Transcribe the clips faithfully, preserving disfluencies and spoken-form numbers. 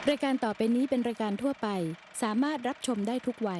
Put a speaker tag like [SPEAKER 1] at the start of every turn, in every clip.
[SPEAKER 1] รายการต่อไปนี้เป็นรายการทั่วไปสามารถรับชมได้ทุกวัย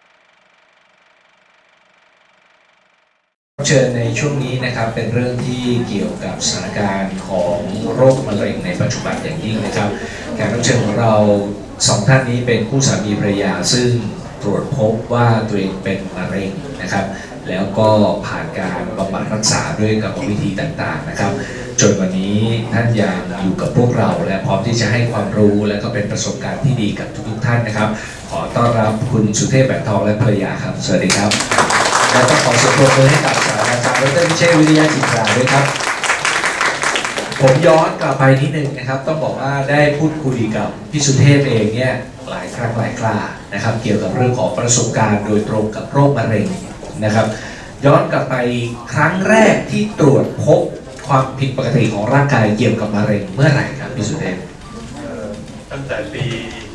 [SPEAKER 2] เชิญในช่วงนี้นะครับเป็นเรื่องที่เกี่ยวกับสถานการณ์ของโรคมะเร็งในปัจจุบันอย่างยิ่งนะครับแขกรับเชิญของเราสองท่านนี้เป็นคู่สามีภรรยาซึ่งตรวจพบว่าตัวเองเป็นมะเร็งนะครับแล้วก็ผ่านการบำบัดรักษาด้วยกรรมวิธีต่างๆนะครับจนวันนี้ท่านยังอยู่กับพวกเราและพร้อมที่จะให้ความรู้และก็เป็นประสบการณ์ที่ดีกับทุกๆท่านนะครับขอต้อนรับคุณสุเทพแบกทองและภรรยาครับสวัสดีครับและต้องขอเสียงปรบมือให้กับศาสตราจารย์ดรพิเชษฐ์วิริยะจิตราด้วยครับผมย้อนกลับไปนิดนึงนะครับต้องบอกว่าได้พูดคุยกับพี่สุเทพเองเนี่ยหลายครั้งหลายครานะครับเกี่ยวกับเรื่องของประสบการณ์โดยตรงกับโรคมะเร็งนะครับย้อนกลับไปครั้งแรกที่ตรวจพบความผิดปกติของร่างกายเกี่ยวกับมะเร็งเมื่อไหร่ครับพี่สุเทพ
[SPEAKER 3] ตั้งแต่ปี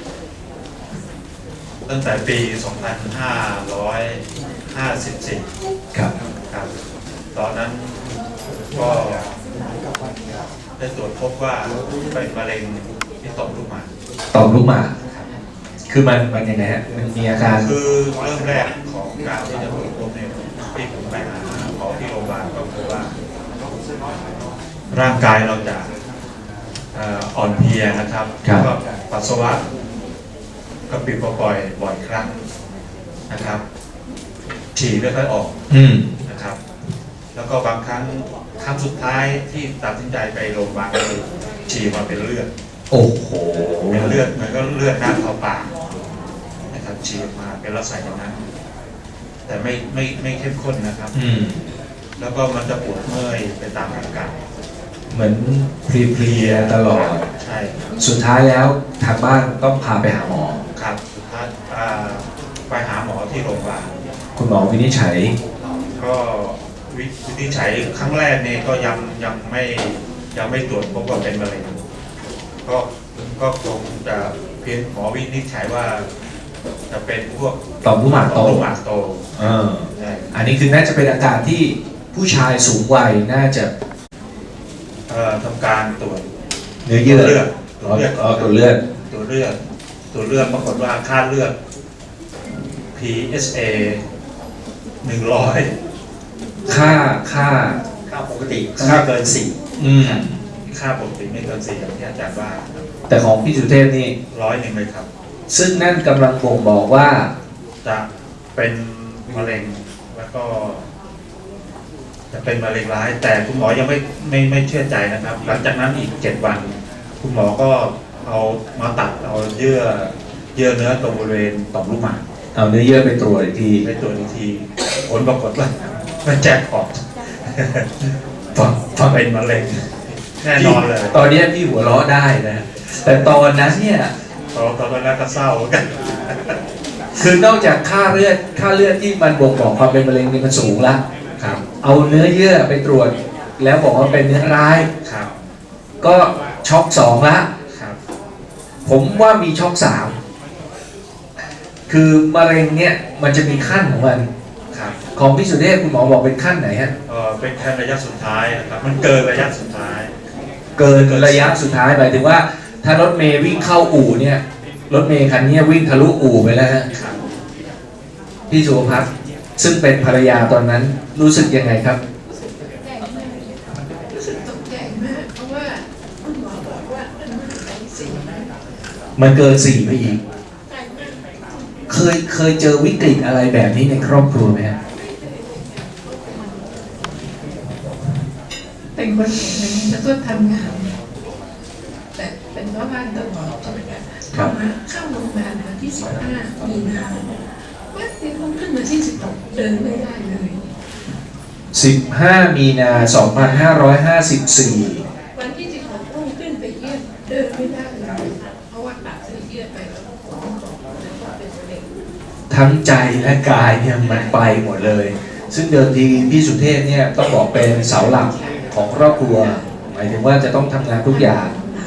[SPEAKER 3] ตั้งแต่ปี สองพันห้าร้อยห้าสิบสี่
[SPEAKER 2] ครับ
[SPEAKER 3] ครับตอนนั้นก็ได้ตรวจพบว่าเป็นมะเร็งที่ต่อมลูกหมาก
[SPEAKER 2] ต่อมลูกหมากคือมันมันยังไงฮะมันมีอาการ
[SPEAKER 3] คือเริ่มแรกของการที่จะตรวจพบเนี่ยที่ผมไปหาหมอที่โรงพยาบาลก็คือว่าร่างกายเราจะอ่อนเพลียนะครับแล้วก็ปัสสาวะกระปิดกระปล่อยบ่อยครั้งนะครับฉี่ไม่ค่อยออกนะครับแล้วก็บางครั้งครั้งสุดท้ายที่ตัดสินใจไปโรงพยาบาลคือฉี่มาเป็นเลือด
[SPEAKER 2] โอ้โห
[SPEAKER 3] เป็นเลือดมันก็เลือดน้ำเข้าปากนะครับฉี่มาเป็นลักษณะอย่างนั้นแต่ไม่ไม่ไม่เข้มข้นนะครับแล้วก็มันจะปวดเมื่อยไปตามอาการ
[SPEAKER 2] เหมือนเพลียๆตลอด
[SPEAKER 3] ใช่
[SPEAKER 2] สุดท้ายแล้วทางบ้านต้องพาไปหาหมอ
[SPEAKER 3] ครับสุดท้ายไปหาหมอที่โรงพยาบาล
[SPEAKER 2] คุณหมอวินิจฉัย
[SPEAKER 3] ก็วินิจฉัยครั้งแรกนี่ก็ยังยังไม่ยังไม่ตรวจพบว่าเป็นมะเร็งก็ก็คงจะเพียงหมอวินิจฉัยว่าจะเป็นพวก
[SPEAKER 2] ต่อมลูกหมากโต
[SPEAKER 3] ต่อมลูกหมากโต
[SPEAKER 2] เอออันนี้คือน่าจะเป็นอาการที่ผู้ชายสูงวัยน่าจะ
[SPEAKER 3] ทำการตรวจ
[SPEAKER 2] เนื้อเยื่อ
[SPEAKER 3] เลือด
[SPEAKER 2] ตัวเลือดตัวเลือด
[SPEAKER 3] ตัวเลือดตัวเลือดปรากฏว่าค่าเลือด พี เอส เอ หนึ่งร้อย
[SPEAKER 2] ค่าค่า
[SPEAKER 3] ค่าปกติค่าเกินสี่
[SPEAKER 2] อืม
[SPEAKER 3] ค่าปกติไม่เกินสี่อย่างที่อาจารย์ว่า
[SPEAKER 2] แต่ของพี่สุเทพนี่
[SPEAKER 3] ร้อยหนึ่งเลยครับ
[SPEAKER 2] ซึ่งนั่นกำลังบ่งบอกว่า
[SPEAKER 3] จะเป็นมะเร็งแล้วก็จะเป็นมะเร็งร้ายแต่คุณหมอยังไม่ไม่ไม่เชื่อใจนะครับหลังจากนั้นอีกเจ็ดวันคุณหมอก็เอามาตัดเอาเยื่อเยื่อเนื้อตรงบริเวณต่อมลูกหมาก
[SPEAKER 2] เอาเนื้อเยื่อไปตรวจอีกที
[SPEAKER 3] ไปตรวจอีกทีผลปรากฏว่ามันแจ็คพอต
[SPEAKER 2] ฟัง
[SPEAKER 3] เป็นมะเร็งแน่นอนเลย
[SPEAKER 2] ตอนนี้พี่หัวเราะได้นะแต่ตอนนั้นเนี่ย
[SPEAKER 3] ตอนตอนนั้นก็เศร้ากัน
[SPEAKER 2] คือนอกจากค่าเลือดค่าเลือดที่มันบ่งบอกความเป็นมะเร็งนี่มันสูงละ
[SPEAKER 3] ครับ
[SPEAKER 2] เอาเนื้อเยื่อไปตรวจแล้วบอกว่าเป็นเนื้อร้าย
[SPEAKER 3] ครับ
[SPEAKER 2] ก็ช็อกสองละ
[SPEAKER 3] ครับ
[SPEAKER 2] ผมว่ามีช็อกสามคือมะเร็งเนี่ยมันจะมีขั้นของมัน
[SPEAKER 3] ครับ
[SPEAKER 2] ของพี่สุเทพคุณหมอบอกเป็นขั้นไหนฮะ
[SPEAKER 3] เออเป็นขั้นระยะสุดท้ายนะครับมันเกินระยะสุดท้าย
[SPEAKER 2] เกินระยะสุดท้ายหมายถึงว่าถ้ารถเมย์วิ่งเข้าอู่เนี่ยรถเมย์คันนี้วิ่งทะลุอู่ไปแล้วฮะพี่สุภัสซึ่งเป็นภรรยาตอนนั้นรู้สึกยังไงครับ
[SPEAKER 4] รู้สึกตกใจมากเพราะว่าคุณหมอบอกว่ามันเกินสี่
[SPEAKER 2] มันเกินสี่ไปอีกเคยเคยเจอวิกฤตอะไรแบบนี้ในครอบครัวไหมฮะ
[SPEAKER 4] เป็นคนเก่งเลยแล้วก็ทำงานแต่เป็นพ่อบ้านตลอดใช่ไหมคะเข้ามาเข้าโรงพยาบาลวันที่สิบห้ามีนาวันที่ผมขึ้นมาที่สิบหกเดินไม่ได้เลย
[SPEAKER 2] สิบห้ามีนาสองพันห้าร้อยห้าสิบสี่
[SPEAKER 4] วันที่สิบหกพุ่งขึ้นไปเยี่ยมเดินไม่ได้เลยเพราะว่าตัดเส้นเยื่อไปแล้วก็เป็นมะเร็ง
[SPEAKER 2] ทั้งใจและกายเนี่ยมันไปหมดเลยซึ่งเดิมทีพี่สุเทพเนี่ยต้องบอกเป็นเสาหลักของครอบครัวหมายถึงว่าจะต้องทำงานทุกอย่าง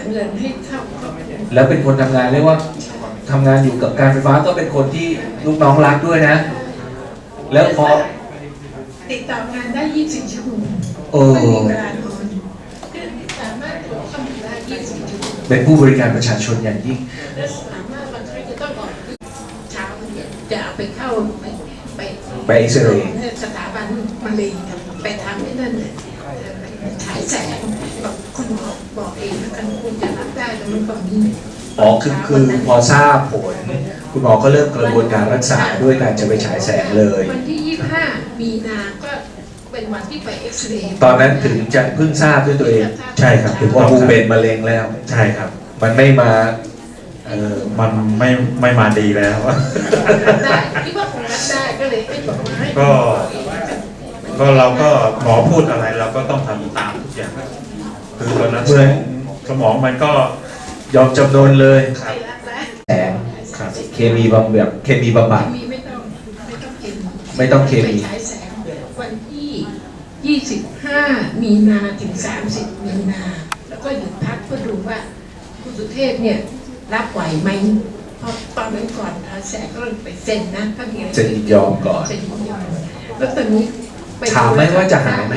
[SPEAKER 2] แล้วเป็นคนทำงานเรียกว่าทำงานอยู่กับการไฟฟ้าก็เป็นคนที่ลูกน้องรักด้วยนะแล้วพอ
[SPEAKER 4] ติดต่องานได้ยี่สิบสี่ชั่วโมงไม่มีเวลานอนคือสามารถทำได้ยี่สิบสี่ชั่วโมง
[SPEAKER 2] เป็นผู้บริการประชาชนอย่างยิ่ง
[SPEAKER 4] และสามารถบางครั้งจะต้องบอกเช้าเนี่ยจะเอาไปเข้าไปไป
[SPEAKER 2] ไปเอ็กซเรย์
[SPEAKER 4] สถาบันมะเร็งครับไปทำที่นั่นเนี่ยฉายแสงบอกคุณหมอบอกเองนะกันคุณจะรับได้แต่มันก่อนนี้
[SPEAKER 2] อ๋อคือคือพอทราบผล คุณหมอก็เริ่มกระบวนการรักษาด้วยการจะไปฉายแสงเลย
[SPEAKER 4] วันที่ยี่สิบห้ามีนาก็เป็นวันที่ไปเอ็กซเรย์
[SPEAKER 2] ตอนนั้นถึงจะเพิ่งทราบด้วยตัวเอง
[SPEAKER 3] ใช่ครับถูกต้
[SPEAKER 2] ว่า
[SPEAKER 3] อง
[SPEAKER 2] ภู
[SPEAKER 3] ครับ
[SPEAKER 2] เป็นมะเร็งแล้ว
[SPEAKER 3] ใช่ครับ
[SPEAKER 2] มันไม่มา
[SPEAKER 3] เออมันไม่ไม่มาดีแล้ว
[SPEAKER 4] รับได้คิดว่าคงรับได้ก็เลยให้บอกว่าให้
[SPEAKER 3] ก็ ก็เราก็หมอพูดอะไรเราก็ต้องทำตามทุกอย่างคือตอนนั้นสมองสมองมันก็
[SPEAKER 2] ยอมจำนนเลย
[SPEAKER 3] ครับ
[SPEAKER 4] รับได้
[SPEAKER 2] แสง
[SPEAKER 3] ครับ
[SPEAKER 2] เคมีบำแบบเคมีบำบัด
[SPEAKER 4] มีไม่ต้องไม่ต้องเคมี
[SPEAKER 2] ไม่ต้องเคมี
[SPEAKER 4] ไปฉายแสงวันที่ยี่สิบห้ามีนาถึงสามสิบมีนา แล้วก็หยุดพักเพื่อดูว่าคุณสุเทพเนี่ยรับไหวไหมเพราะตอนนั้นก่อนฉายแสงก็ไปเซ็นนะถ้ามีอะไร
[SPEAKER 2] จะยินยอมก่อน
[SPEAKER 4] เซ็นยินยอมแล้วตอนนี้ไป
[SPEAKER 2] ถามไหมว่าจะหายไหม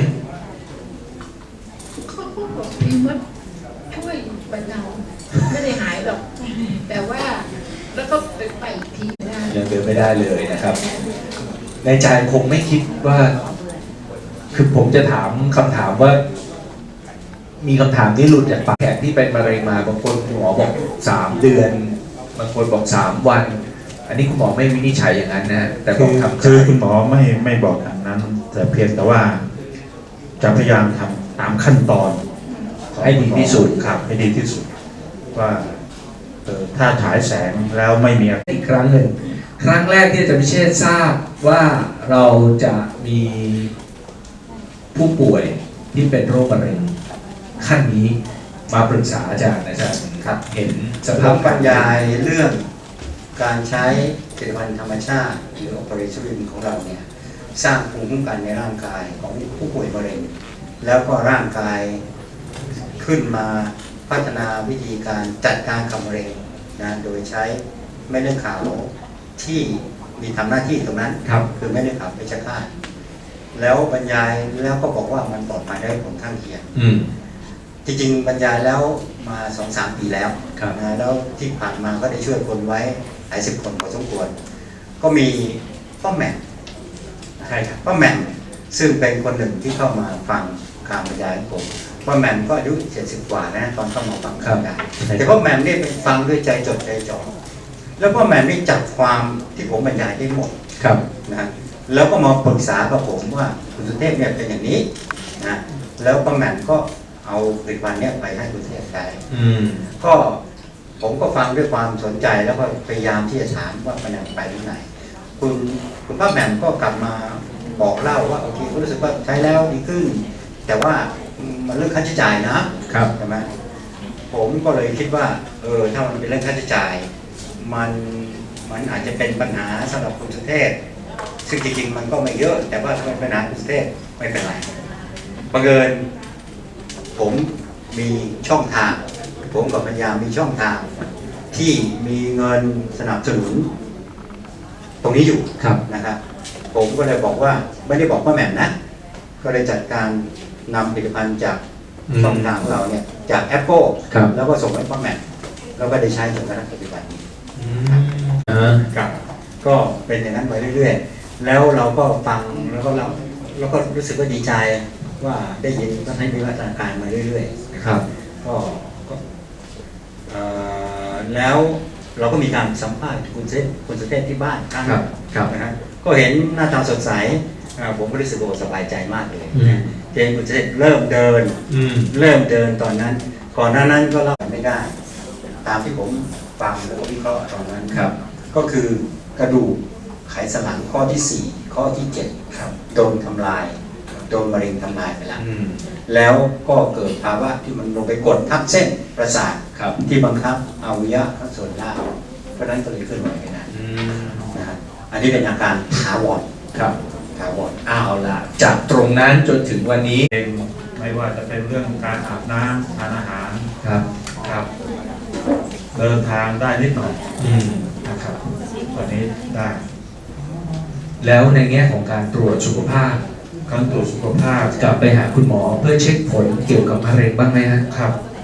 [SPEAKER 4] เขาก็บอกพี่มดช่วยบรรเทาไม่ได้หายหรอก แต่ว่าแล้วก็ไปไปอีกทีได้
[SPEAKER 2] ยังเดินไม่ได้เลยนะครับ ในใจคงไม่คิดว่า คือผมจะถามคำถามว่า มีคำถามที่หลุดจากปากแขกที่เป็นมะเร็งมาบางคนคุณหมอบอกสามเดือน บางคนบอกสามวัน อันนี้คุณหมอไม่วินิจฉัยอย่างนั้นนะแต่บ
[SPEAKER 3] คือ อก
[SPEAKER 2] ทำใจ
[SPEAKER 3] คือคุณหมอไม่ไม่บอกอย่างนั้น แต่เพียงแต่ว่า จะพยายามทำตามขั้นตอนของ
[SPEAKER 2] ให้ดีที่สุด
[SPEAKER 3] ครับให้ดีที่สุด ว่าเออถ้าฉายแสงแล้วไม่มีอะไร
[SPEAKER 2] อีกครั้งหนึ่ง ครั้งแรกที่อาจารย์พิเชษฐ์ทราบว่าเราจะมีผู้ป่วยที่เป็นโรคมะเร็งขั้นนี้มาปรึกษาอาจารย์อาจารย์ครับเห็นส
[SPEAKER 5] ผ
[SPEAKER 2] ภาพ
[SPEAKER 5] มบรรยายเรื่องการใช้ผลิตภัณฑ์ธรรมชาติหรือ Operation ของเราเนี่ยสร้างภูมิคุ้มกันในร่างกายของผู้ป่วยมะเร็ง แล้วก็ร่างกายขึ้นมาพัฒนาวิธีการจัดการกับมะเร็งนะโดยใช้เม็ดเลือดขาวที่มีทำหน้าที่ตรงนั้น
[SPEAKER 2] ครับ
[SPEAKER 5] คือเม็ดเลือดขาวเพชฌฆาตแล้วบรรยายแล้วก็บอกว่ามันปลอดภัยได้ผลข้างเคียง
[SPEAKER 2] อืม
[SPEAKER 5] จริงๆบรรยายแล้วมาสองสามปีแล้ว
[SPEAKER 2] ครับ
[SPEAKER 5] นะแล้วที่ผ่านมาก็ได้ช่วยคนไว้หลายสิบคนพอสมควร ก็มีป้าแหม่ม
[SPEAKER 2] ใช่ครับ
[SPEAKER 5] ป้าแหม่มซึ่งเป็นคนหนึ่งที่เข้ามาฟังการบรรยายของผมป้าแหม่มก็อายุเจ็ดสิบกว่านะตอนเข้ามาฟังการบรรยายแต่ป้าแหม่มนี่เป็นฟังด้วยใจจดใจจ่อแล้วป้าแหม่มนี่จับความที่ผมบรรยายได้หมด
[SPEAKER 2] ครับ
[SPEAKER 5] นะแล้วก็มาปรึกษากับผมว่าคุณสุเทพเนี่ยเป็นอย่างนี้นะแล้วป้าแหม่มก็เอาผลิตภัณฑ์เนี่ยไปให้คุณสุเทพใช้
[SPEAKER 2] อืม
[SPEAKER 5] ก็ผมก็ฟังด้วยความสนใจแล้วก็พยายามที่จะถามว่ามันยังไปที่ไหน คุณคุณป้าแหม่มก็กลับมาบอกเล่าว่าโอเคก็รู้สึกว่าใช้แล้วดีขึ้น แต่ว่ามันเรื่องค่าใช้จ่ายนะครับ ใช่ไหมผมก็เลยคิดว่าเออถ้ามันเป็นเรื่องค่าใช้จ่าย มันมันอาจจะเป็นปัญหาสำหรับคุณสุเทพซึ่งจริงๆมันก็ไม่เยอะ แต่ว่าถ้าเป็นปัญหาคุณสุเทพไม่เป็นไรบังเอิญผมมีช่องทาง ผมกับปัญญามีช่องทางที่มีเงินสนับสนุน ตรงนี้อยู่
[SPEAKER 2] ครับ
[SPEAKER 5] นะครับ ผมก็เลยบอกว่าไม่ได้บอกว่าแหม่มนะ ก็เลยจัดการนำผลิตภัณฑ์จากช่องทางของเราเนี่ยจากแอปเปิล
[SPEAKER 2] ครับ
[SPEAKER 5] แล้วก็ส่งให้ป้าแหม่มแล้วก็ได้ใช้จนกระทั่งปัจจุบันนี้
[SPEAKER 2] อืมอ่า
[SPEAKER 5] ครับก็เป็นอย่างนั้นไปเรื่อยๆ แล้วเราก็ฟังแล้วก็เราแล้วก็รู้สึกว่าดีใจว่าได้ยินก็ให้มีวัฒนาการมาเรื่อยๆนะ
[SPEAKER 2] ค
[SPEAKER 5] ค
[SPEAKER 2] รั
[SPEAKER 5] รับ บก็ก็เอ่อแล้วเราก็มีการสัมภาษณ์คุณเซคุณสุเทพที่บ้านครั้ง
[SPEAKER 2] ครับครับ
[SPEAKER 5] นะฮะก็เห็นหน้าตาสดใสอ่าผมก็รู้สึกว่าสบายใจมากเลย
[SPEAKER 2] อืม
[SPEAKER 5] นะเจนคุณสุเทพเริ่มเดิน
[SPEAKER 2] อืม
[SPEAKER 5] เริ่มเดินตอนนั้น ก่อนหน้านั้นก็เล่าไม่ได้ ตามที่ผมฟังแล้วก็วิเคราะห์ตอนนั้น
[SPEAKER 2] ครับ
[SPEAKER 5] ก็คือกระดูกไขสันหลังข้อที่สี่ข้อที่เจ็ด
[SPEAKER 2] ครับ
[SPEAKER 5] โดนทำลาย โดนมะเร็งทำลายไปแล้ว
[SPEAKER 2] อืม
[SPEAKER 5] แล้วก็เกิดภาวะที่มันลงไปกดทับเส้นประสาท
[SPEAKER 2] ครับ
[SPEAKER 5] ที่บังคับอวัยวะข้างส่วนล่างเพราะฉะนั้นก็เลยเคลื่อนไหวไม่ได้
[SPEAKER 2] อืม
[SPEAKER 5] นะฮะอันนี้เป็นอาการถาวร
[SPEAKER 2] ครับ
[SPEAKER 5] ถาวร
[SPEAKER 2] เอาล่ะ จากตรงนั้นจนถึงวันนี้
[SPEAKER 3] เองไม่ว่าจะเป็นเรื่องการอาบน้ำทานอาหาร
[SPEAKER 2] ครับ
[SPEAKER 3] ครับ เดินทางได้นิดหน่อย
[SPEAKER 2] อืม
[SPEAKER 3] นะครับตอนนี้ได้
[SPEAKER 2] แล้วในแง่ของการตรวจสุขภาพ
[SPEAKER 3] การตรวจสุขภาพ
[SPEAKER 2] กลับไปหาคุณหมอเพื่อเช็คผลเกี่ยวกับมะเร็งบ้างไหมฮะ
[SPEAKER 3] ครับ ไป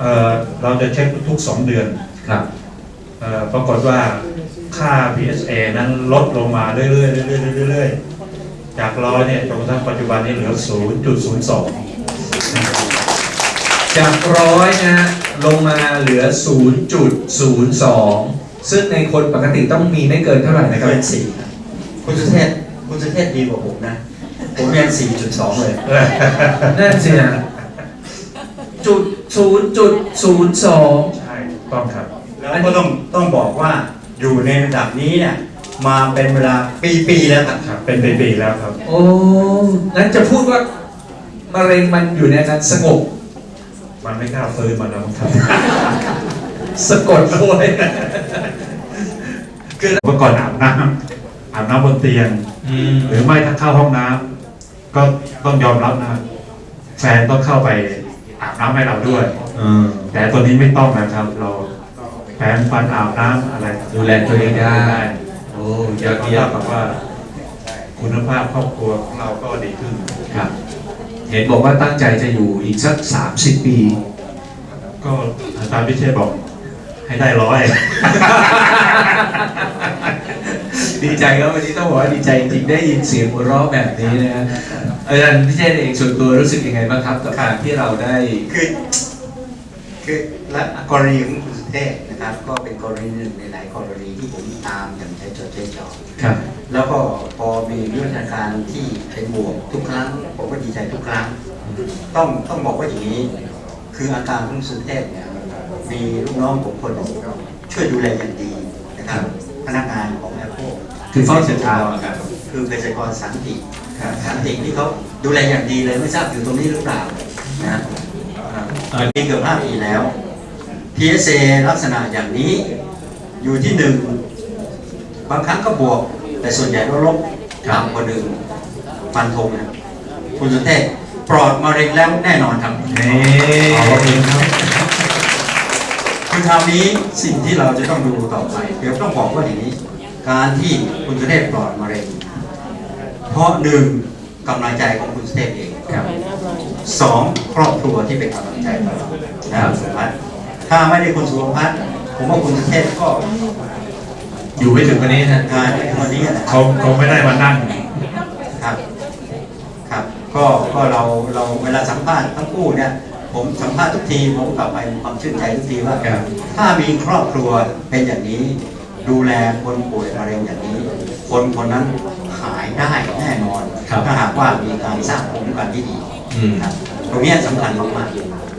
[SPEAKER 3] เอ่อเราจะเช็คทุกๆสองเดือน
[SPEAKER 2] ครับ
[SPEAKER 3] เอ่อปรากฏว่าค่า พี เอส เอ นั้นลดลงมาเรื่อยๆเรื่อยๆเรื่อยๆจากร้อยเนี่ยจนกระทั่งปัจจุบันนี้เหลือ ศูนย์จุดศูนย์สอง
[SPEAKER 2] จากร้อยนะฮะลงมาเหลือ ศูนย์จุดศูนย์สอง ซึ่งในคนปกติต้องมีไม่เกินเท่าไหร่นะครับ
[SPEAKER 5] เกินสี่ครับคุณสุเทพคุณสุเทพดีกว่าผมนะ ผมเรียน สี่จุดสอง เลย
[SPEAKER 2] นั่นสินะจุดศูนย์จุดศูนย์สอง
[SPEAKER 3] ใช่ถูกต้องครับ
[SPEAKER 5] แล้วก็ต้องต้องบอกว่าอยู่ในระดับนี้เนี่ยมาเป็นเวลาปีๆแล้วครับ
[SPEAKER 3] ครับเป็นปีๆแล้วครับ
[SPEAKER 2] โอ้งั้นจะพูดว่ามะเร็งมันอยู่ในอาการสงบ
[SPEAKER 3] มันไม่กล้าฟื้นมาแล้วครับ
[SPEAKER 2] สะกดเอาไว้
[SPEAKER 3] คือเมื่อก่อนอาบน้ำอาบน้ำบนเตียง
[SPEAKER 2] อืม
[SPEAKER 3] หรือไม่ถ้าเข้าห้องน้ำก็ต้องยอมรับนะแฟนต้องเข้าไปอาบน้ำให้เราด้วย
[SPEAKER 2] อืม
[SPEAKER 3] แต่ตัวนี้ไม่ต้องนะครับ เราแปรงฟันอาบน้ำอะไร
[SPEAKER 2] ดูแลตัวเองได้ โอ้ย
[SPEAKER 3] ย
[SPEAKER 2] อ
[SPEAKER 3] อ
[SPEAKER 2] ด
[SPEAKER 3] ด
[SPEAKER 2] เยี่
[SPEAKER 3] เยี่
[SPEAKER 2] ย
[SPEAKER 3] ย
[SPEAKER 2] ม
[SPEAKER 3] มกับว่า คุณภาพครอบครัวของเราก็ดีขึ้น
[SPEAKER 2] ครับ เห็นบอกว่าตั้งใจจะอยู่อีกสักสามสิบปี
[SPEAKER 3] ก็อาจารย์พิเชษบอกให้ได้ร้อย
[SPEAKER 2] ดีใจครับวันนี้ต้องบอกว่าดีใจจริงๆได้ยินเสียงหัวเราะแบบนี้นะฮะอาจารย์พิเชษเองส่วนตัวรู้สึกยังไงบ้างครับกับการที่เราได้
[SPEAKER 5] คือคือและกรณีของคุณสุเทพนะครับ ก็เป็นกรณีหนึ่งในหลายกรณีที่ผมตามอย่างใจจดใจจ่อ
[SPEAKER 2] ครับ
[SPEAKER 5] แล้วก็พอมีวิวัฒนาการที่เป็นบวกทุกครั้งผมก็ดีใจทุกครั้ง ต้องต้องบอกว่าอย่างนี้ คืออาการของคุณสุเทพเนี่ยมีลูกน้องผมคนหนึ่งช่วยดูแลอย่างดีนะครับ พนักงานของแอปเปิล
[SPEAKER 2] คือเฝ้าติดตามอะครับ
[SPEAKER 5] คือเภสัชกรสันติสันติที่เขาดูแลอย่างดีเลยไม่ทราบอยู่ตรงนี้หรือเปล่านะมีเกือบห้าปีแล้ว พี เอส เอ ลักษณะอย่างนี้อยู่ที่หนึ่งบางครั้งก็บวกแต่ส่วนใหญ่ก็ลบต่ำกว่าหนึ่งฟันธงนะคุณสุเทพปลอดมะเร็งแล้วแน่นอนครับ
[SPEAKER 2] นี่
[SPEAKER 3] ขอบคุณครับ
[SPEAKER 5] คือคราวนี้สิ่งที่เราจะต้องดูต่อไปเดี๋ยวต้องบอกว่าอย่างนี้ การที่คุณสุเทพปลอดมะเร็งเพราะหนึ่งกำลังใจของคุณสุเทพเอง
[SPEAKER 2] ครับ
[SPEAKER 5] สองครอบครัวที่เป็นกำลังใจต่อเรานะครับสุพัฒน์ถ้าไม่ได้คุณสุพัฒน์ผมว่าคุณสุเทพก็
[SPEAKER 2] อยู่ไม่ถึงวันนี้นะ
[SPEAKER 5] งานในวันนี้นะ
[SPEAKER 3] เขาเขาไม่ได้มานั่ง
[SPEAKER 5] ครับครับก็ก็เราเราเวลาสัมภาษณ์ทั้งคู่เนี่ยผมสัมภาษณ์ทุกทีผมกลับไปมีความชื่นใจทุกทีว่า
[SPEAKER 2] ครับ
[SPEAKER 5] ถ้ามีครอบครัวเป็นอย่างนี้ ดูแลคนป่วยมะเร็งอย่างนี้ คนคนนั้นหายได้แน่นอน
[SPEAKER 2] ครับ
[SPEAKER 5] ถ้าหากว่ามีการสร้างภูมิคุ้มกันที่ดี
[SPEAKER 2] อืม
[SPEAKER 5] ครับตรงนี้สำคัญมากๆ